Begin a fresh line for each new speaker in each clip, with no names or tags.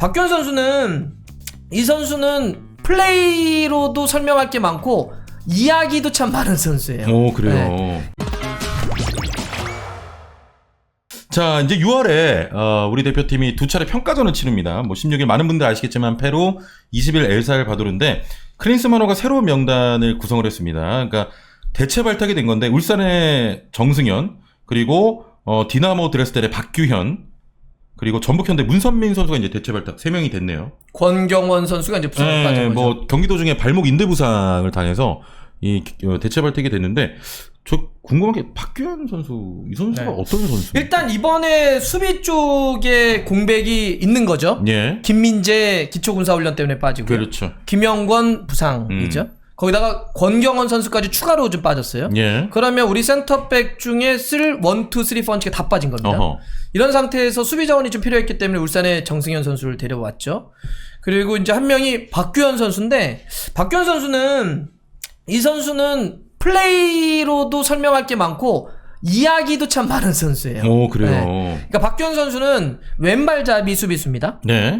박규현 선수는 이 선수는 플레이로도 설명할 게 많고 이야기도 참 많은 선수예요.
오, 그래요.
네.
자, 이제 6월에 우리 대표팀이 두 차례 평가전을 치릅니다. 뭐 16일 많은 분들 아시겠지만 페루, 20일 엘살바도르인데 클린스만호가 새로운 명단을 구성을 했습니다. 그러니까 대체 발탁이 된 건데 울산의 정승현, 그리고 디나모 드레스델의 박규현, 그리고 전북현대 문선민 선수가 이제 대체 발탁 3명이 됐네요.
권경원 선수가 이제 부상을 빠진 거죠.
뭐 경기 도중에 발목 인대 부상을 당해서 이 대체 발탁이 됐는데 저 궁금한 게 박규현 선수, 이 선수가 어떤 선수?
일단 이번에 수비 쪽에 공백이 있는 거죠.
예.
김민재 기초군사훈련 때문에 빠지고,
그렇죠.
김영권 부상이죠. 거기다가 권경원 선수까지 추가로 좀 빠졌어요.
예.
그러면 우리 센터백 중에 쓸 1, 2, 3, 4가 다 빠진 겁니다.
어허.
이런 상태에서 수비 자원이 좀 필요했기 때문에 울산의 정승현 선수를 데려왔죠. 그리고 이제 한 명이 박규현 선수인데, 박규현 선수는 이 선수는 플레이로도 설명할 게 많고 이야기도 참 많은 선수예요.
오, 그래요.
네. 그러니까 박규현 선수는 왼발잡이 수비수입니다.
네.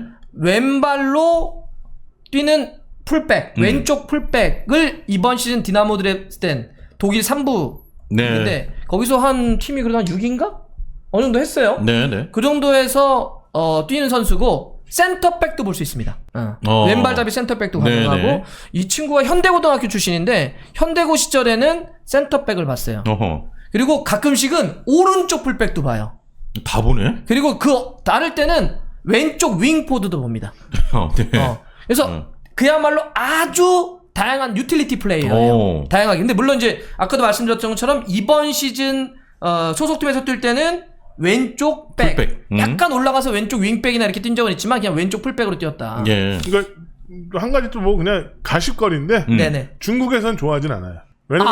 왼발로 뛰는 풀백, 왼쪽 풀백을 이번 시즌 디나모 드레스덴 독일 3부인데
네.
거기서 한 팀이 그래도 한 6인가? 어느 정도 했어요.
네, 네.
그 정도에서 뛰는 선수고 센터백도 볼 수 있습니다. 왼발잡이 센터백도 가능하고,
네네.
이 친구가 현대고등학교 출신인데 현대고 시절에는 센터백을 봤어요.
어허.
그리고 가끔씩은 오른쪽 풀백도 봐요.
다 보네.
그리고 다를 때는 왼쪽 윙포드도 봅니다.
네.
그래서 그야말로 아주 다양한 유틸리티 플레이어예요. 다양하게. 근데 물론 이제 아까도 말씀드렸던 것처럼 이번 시즌 소속팀에서 뛸 때는 왼쪽 백,
풀백.
약간 올라가서 왼쪽 윙백이나 이렇게 뛴 적은 있지만 그냥 왼쪽 풀백으로 뛰었다.
예.
그러니까 한 가지 또 뭐 그냥 가십거리인데
네네.
중국에선 좋아하진 않아요. 왜냐면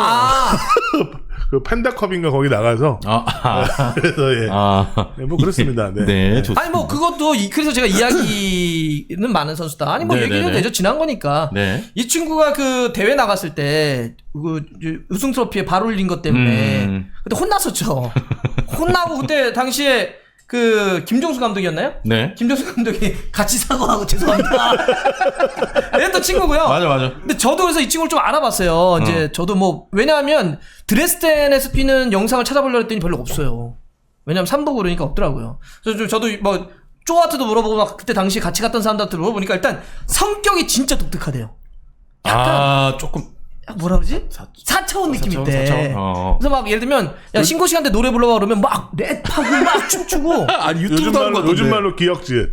그 팬다컵인가 거기 나가서 그래서 예. 네, 뭐 그렇습니다. 네.
네, 좋습니다.
아니 뭐 그것도 그래서 제가 이야기는 많은 선수다. 아니 뭐 얘기해도 되죠. 지난 거니까.
네.
이 친구가 그 대회 나갔을 때 그 우승 트로피에 발 올린 것 때문에 그때 혼났었죠. 혼나고 그때 당시에 그 김종수 감독이었나요?
네.
김종수 감독이 같이 사과하고 죄송합니다. 이랬던 친구고요.
맞아.
근데 저도 그래서 이 친구를 좀 알아봤어요. 이제 저도 뭐 왜냐하면 드레스덴에서 뛰는 영상을 찾아보려고 했더니 별로 없어요. 왜냐면 3부 그러니까 없더라고요. 그래서 저도 뭐 쪼아트도 물어보고 막 그때 당시 같이 갔던 사람들한테 물어보니까 일단 성격이 진짜 독특하대요. 약간
조금
뭐라 그러지? 4차원 느낌 있대.
4차원.
그래서 막 예를 들면 야 신고 시간 때 노래 불러봐 그러면 막 랩하고 막 춤추고.
아니 유튜브도 하는 거 같은데.
요즘 말로 기억질.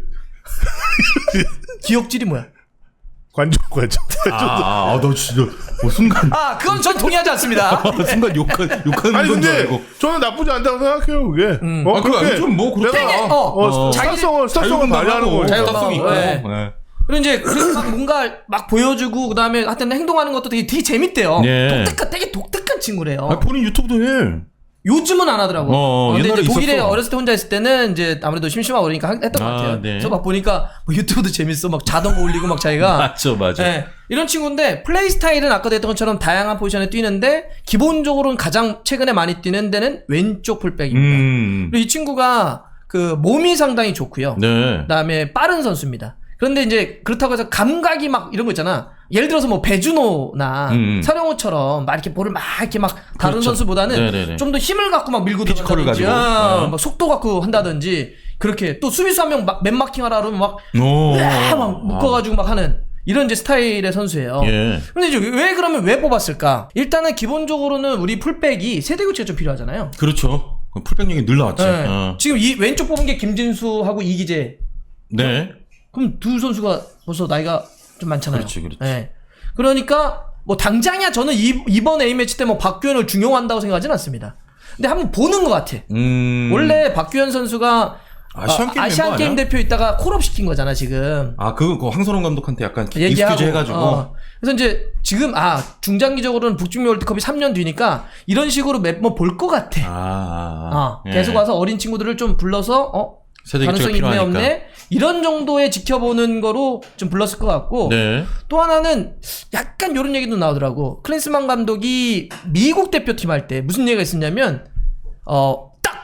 기억질이 뭐야?
관종.
너 진짜 순간.
그건 전 동의하지 않습니다.
순간 욕하는
아니
건 줄
근데
알고.
저는 나쁘지 않다고 생각해요 그게.
그거 좀뭐 그렇다.
스타성을 발휘하는 거예요.
자율성이 있고.
네. 그리고 이제 그래서 막 뭔가 막 보여주고 그다음에 하여튼 행동하는 것도 되게 재밌대요.
네.
되게 독특한 친구래요.
본인 유튜브도 해.
요즘은 안 하더라고. 근데
옛날에
이제 독일에
있었어.
어렸을 때 혼자 있을 때는 이제 아무래도 심심하고 그러니까 했던 것 같아요.
네.
그래서 막 보니까 뭐 유튜브도 재밌어. 막 자동거 올리고 막 자기가.
맞아.
네. 이런 친구인데 플레이 스타일은 아까도 했던 것처럼 다양한 포지션에 뛰는데 기본적으로는 가장 최근에 많이 뛰는 데는 왼쪽 풀백입니다. 그리고 이 친구가 그 몸이 상당히 좋고요.
네.
그다음에 빠른 선수입니다. 그런데 이제 그렇다고 해서 감각이 막 이런 거 있잖아. 예를 들어서 뭐 배준호나 서령호처럼 막 이렇게 볼을 막 이렇게 막 다른
그렇죠.
선수보다는 좀 더 힘을 갖고 막 밀고
피지컬을
들어간다든지,
가지고.
막 속도 갖고 한다든지 그렇게 또 수비수 한 명 맨마킹 하라 그러면 막 묶어가지고 막 하는 이런 이제 스타일의 선수예요.
예.
근데 이제 왜 뽑았을까? 일단은 기본적으로는 우리 풀백이 세대 교체가 좀 필요하잖아요.
그렇죠. 풀백력이 늘 나왔지.
네. 지금 이 왼쪽 뽑은 게 김진수하고 이기재.
네.
그럼 두 선수가 벌써 나이가 좀 많잖아요.
그렇지.
네. 그러니까 뭐 당장이야 저는 이번 A매치 때 뭐 박규현을 중용한다고 생각하진 않습니다. 근데 한번 보는 것 같아. 원래 박규현 선수가 아시안 게임 대표 있다가 콜업 시킨 거잖아 지금.
그거 황선홍 감독한테 약간 익스큐즈 해가지고.
그래서 이제 지금 중장기적으로는 북중미 월드컵이 3년 뒤니까 이런 식으로 매번 볼 것 같아. 계속 와서 어린 친구들을 좀 불러서 가능성이 있네 없네 이런 정도의 지켜보는 거로 좀 불렀을 것 같고.
네.
또 하나는 약간 이런 얘기도 나오더라고. 클린스만 감독이 미국 대표팀 할 때 무슨 얘기가 있었냐면 딱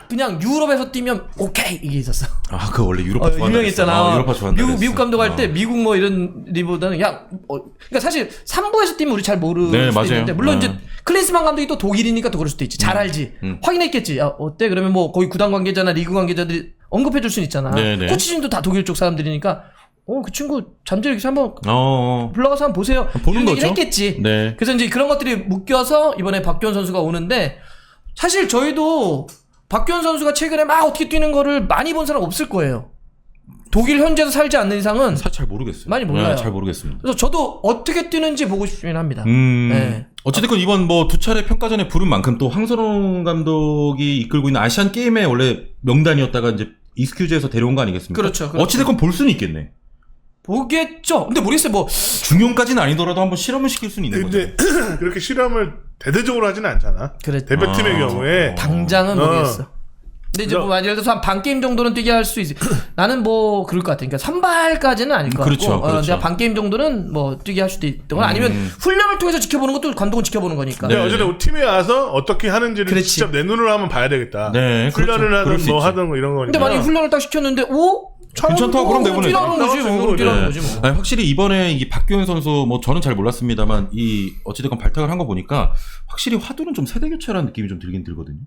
딱 그냥 유럽에서 뛰면 오케이 이게 있었어.
아, 그 원래 유로파 좋아한다.
유명했잖아.
유로파 좋아한다.
미국 감독 할 때 미국 뭐 이런 리보다는 그러니까 사실 3부에서 뛰면 우리 잘 모르는
네,
수도
맞아요.
있는데 물론 이제 클린스만 감독이 또 독일이니까 또 그럴 수도 있지. 잘 알지. 확인했겠지. 야, 어때? 그러면 뭐 거기 구단 관계자나 리그 관계자들이 언급해 줄 수는 있잖아.
네네.
코치진도 다 독일 쪽 사람들이니까 그 친구 잠재력이 한번 불러가서 한번 보세요.
보는
이런
거죠.
얘기를 했겠지.
네.
그래서 이제 그런 것들이 묶여서 이번에 박규현 선수가 오는데 사실 저희도 박규현 선수가 최근에 막 어떻게 뛰는 거를 많이 본 사람 없을 거예요. 독일 현지에서 살지 않는 이상은
사실 잘 모르겠어요.
많이 몰라요.
네, 잘 모르겠습니다.
그래서 저도 어떻게 뛰는지 보고 싶긴 합니다. 네.
어쨌든 이번 뭐 두 차례 평가전에 부른 만큼 또 황선홍 감독이 이끌고 있는 아시안 게임의 원래 명단이었다가 이제 이스큐즈에서 데려온 거 아니겠습니까?
그렇죠.
어찌됐건 볼 수는 있겠네.
보겠죠. 근데 모르겠어요. 뭐
중용까지는 아니더라도 한번 실험을 시킬 수는 있는 거죠.
근데 그렇게 실험을 대대적으로 하지는 않잖아.
그래.
대표팀의 경우에
당장은 모르겠어. 근데 이제 뭐 예를 들어서 한 반 게임 정도는 뛰게 할 수 있지. 나는 뭐 그럴 것 같아. 그러니까 선발까지는 아닐 것
그렇죠,
같고,
그렇죠.
내가 반 게임 정도는 뭐 뛰게 할 수도 있거나 아니면 훈련을 통해서 지켜보는 것도 감독은 지켜보는 거니까.
근데 어쨌든 팀에 와서 어떻게 하는지를
그렇지.
직접 내 눈으로 한번 봐야 되겠다.
네,
훈련을
그렇죠. 그럴
하든
수
뭐
있지.
하든 뭐 이런 거니까.
근데 만약에 훈련을 딱 시켰는데
괜찮다, 그럼 내보내지.
뛰라는 거지 뭐. 뛰라는 거지 뭐.
아니, 확실히 이번에 이 박규현 선수 뭐 저는 잘 몰랐습니다만 이 어찌됐건 발탁을 한 거 보니까 확실히 화두는 좀 세대 교체라는 느낌이 좀 들긴 들거든요.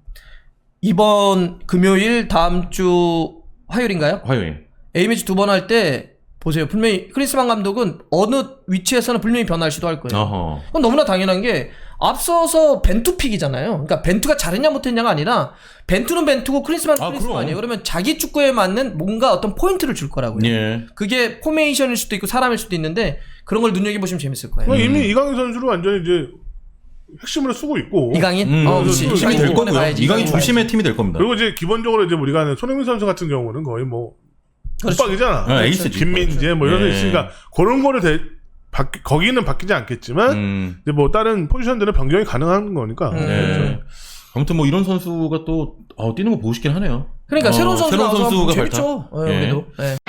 이번 금요일 다음 주 화요일인가요?
화요일.
A매치 2번 할 때 보세요. 분명히 크리스만 감독은 어느 위치에서는 분명히 변화를 시도할 거예요.
어허.
그건 너무나 당연한 게 앞서서 벤투픽이잖아요. 그러니까 벤투가 잘했냐 못했냐가 아니라 벤투는 벤투고 크리스만은 크리스만이에요. 그러면 자기 축구에 맞는 뭔가 어떤 포인트를 줄 거라고요.
예.
그게 포메이션일 수도 있고 사람일 수도 있는데 그런 걸 눈여겨보시면 재밌을 거예요.
이미 이강인 선수를 완전히 이제 핵심으로 쓰고 있고.
이강인?
그렇지.
중심이 될 거고요.
가야지.
이강인 중심의 팀이 될 겁니다.
그리고 이제 기본적으로 이제 우리가 아는 손흥민 선수 같은 경우는 거의 뭐
그렇죠.
빡이잖아.
에이스지.
김민재 뭐 이런 데
예.
있으니까 그런 거를 거기는 바뀌지 않겠지만 이제 뭐 다른 포지션들은 변경이 가능한 거니까.
네. 아무튼 뭐 이런 선수가 또 뛰는 거 보고 싶긴 하네요.
그러니까 새로운 선수가
발탁.
재밌죠.
예.
그래도. 네.